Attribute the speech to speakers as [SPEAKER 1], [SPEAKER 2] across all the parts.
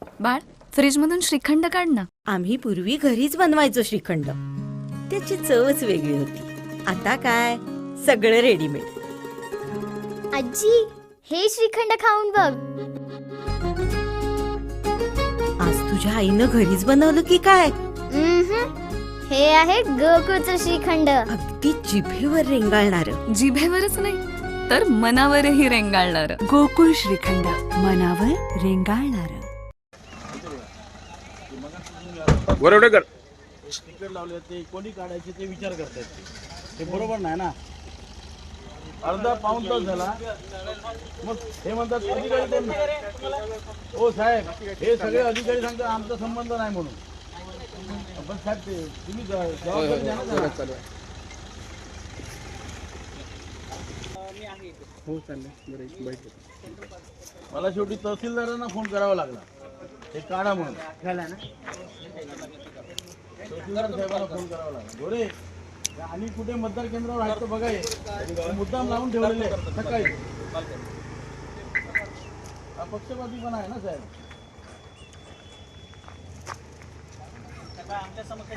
[SPEAKER 1] बाळ, फ्रीज मधून श्रीखंड काढ ना.
[SPEAKER 2] आम्ही पूर्वी घरीच बनवायचो श्रीखंड. त्याची चवच वेगळी होती. आता काय सगळं रेडीमेड.
[SPEAKER 3] आजी, हे श्रीखंड खाऊन बघ.
[SPEAKER 2] आज तुझ्या आईनं घरीच बनवलं की काय?
[SPEAKER 3] हे आहे गोकुळचं श्रीखंड.
[SPEAKER 2] अगदी जिभेवर रेंगाळणार.
[SPEAKER 1] जिभेवरच नाही तर मनावरही रेंगाळणार.
[SPEAKER 4] गोकुळ श्रीखंड, मनावर रेंगाळणार.
[SPEAKER 5] बरोबर स्टिकर लावले ते कोणी काढायचे ते विचार करतायत. ते बरोबर नाही ना. अर्धा पाऊण तास झाला मग हे म्हणतात अधिकारी त्यांना. हो साहेब, हे सगळे अधिकारी सांगतात आमचा संबंध नाही म्हणून. पण साहेब ते तुम्ही जबाबदारी द्या ना त्याला. हो चालेल. मला शेवटी तहसीलदारांना फोन करावा लागला हे काढा म्हणून. तहसीलदार साहेबांना फोन करावा लागला. गोरे आणि कुठे मतदार केंद्रावर आहेत तर बघाय मुद्दाम लावून ठेवलेले सकाळी. हा पक्षपाती पण आहे ना साहेब. आमच्या समक्ष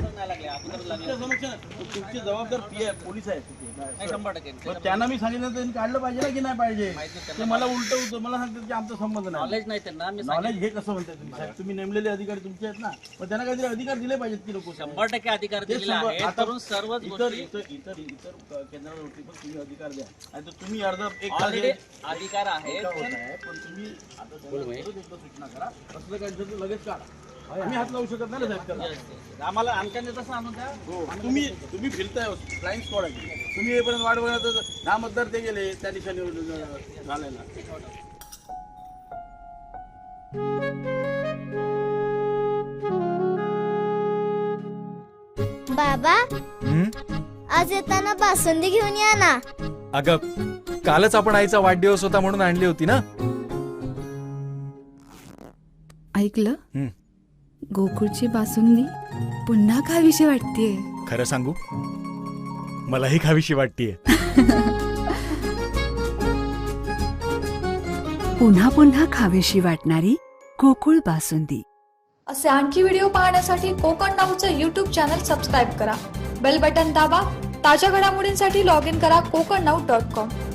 [SPEAKER 5] तुमची जबाबदार पोलीस आहेत तिथे. 100% त्यांना मी सांगितलं त्यांनी काढलं पाहिजे ना की नाही पाहिजे. ते मला उलट होतं. मला सांगतात की आमचा संबंध नाही. नॉलेज नाही त्यांना. नॉलेज हे कसं म्हणताय तुम्ही साहेब? तुम्ही नेमलेले अधिकारी तुमचे आहेत ना, मग त्यांना काहीतरी अधिकार दिले पाहिजेत की लोक.
[SPEAKER 6] 100% अधिकार दिलेला आहे.
[SPEAKER 5] आता
[SPEAKER 6] सर्वच
[SPEAKER 5] इतर केंद्रावरती पण तुम्ही अधिकार द्या. आणि तुम्ही अर्धा एक
[SPEAKER 6] अधिकार आहे.
[SPEAKER 5] पण तुम्ही आता सूचना करा. असलं काही तर लगेच काढा. आम्ही हात लावू शकत नाही ना साहेब.
[SPEAKER 6] आम्हाला आमच्या नेत्याचं आणून द्या.
[SPEAKER 5] हो, तुम्ही फिरताय फ्लाइंग स्क्वॉड आहे. तुम्ही येईपर्यंत वाट बघा. दहा मतदार ते गेले त्या दिशेने झालेला.
[SPEAKER 3] बाबा, आज येताना बासुंदी घेऊन या ना.
[SPEAKER 7] अगं, कालच आपण आईचा वाढदिवस होता म्हणून आणली होती ना.
[SPEAKER 4] ऐकलं? गोकुळची बासुंदी पुन्हा खावीशी वाटतेय.
[SPEAKER 7] खरं सांगू, मलाही खावीशी वाटतेय.
[SPEAKER 4] पुन्हा पुन्हा खावीशी वाटणारी गोकुळ बासुंदी.
[SPEAKER 8] असे आणखी व्हिडिओ पाहण्यासाठी कोकण नाऊचं यूट्यूब चॅनल सबस्क्राईब करा. बेल बटन दाबा. ताज्या घडामोडींसाठी लॉग इन करा kokarnaut.com.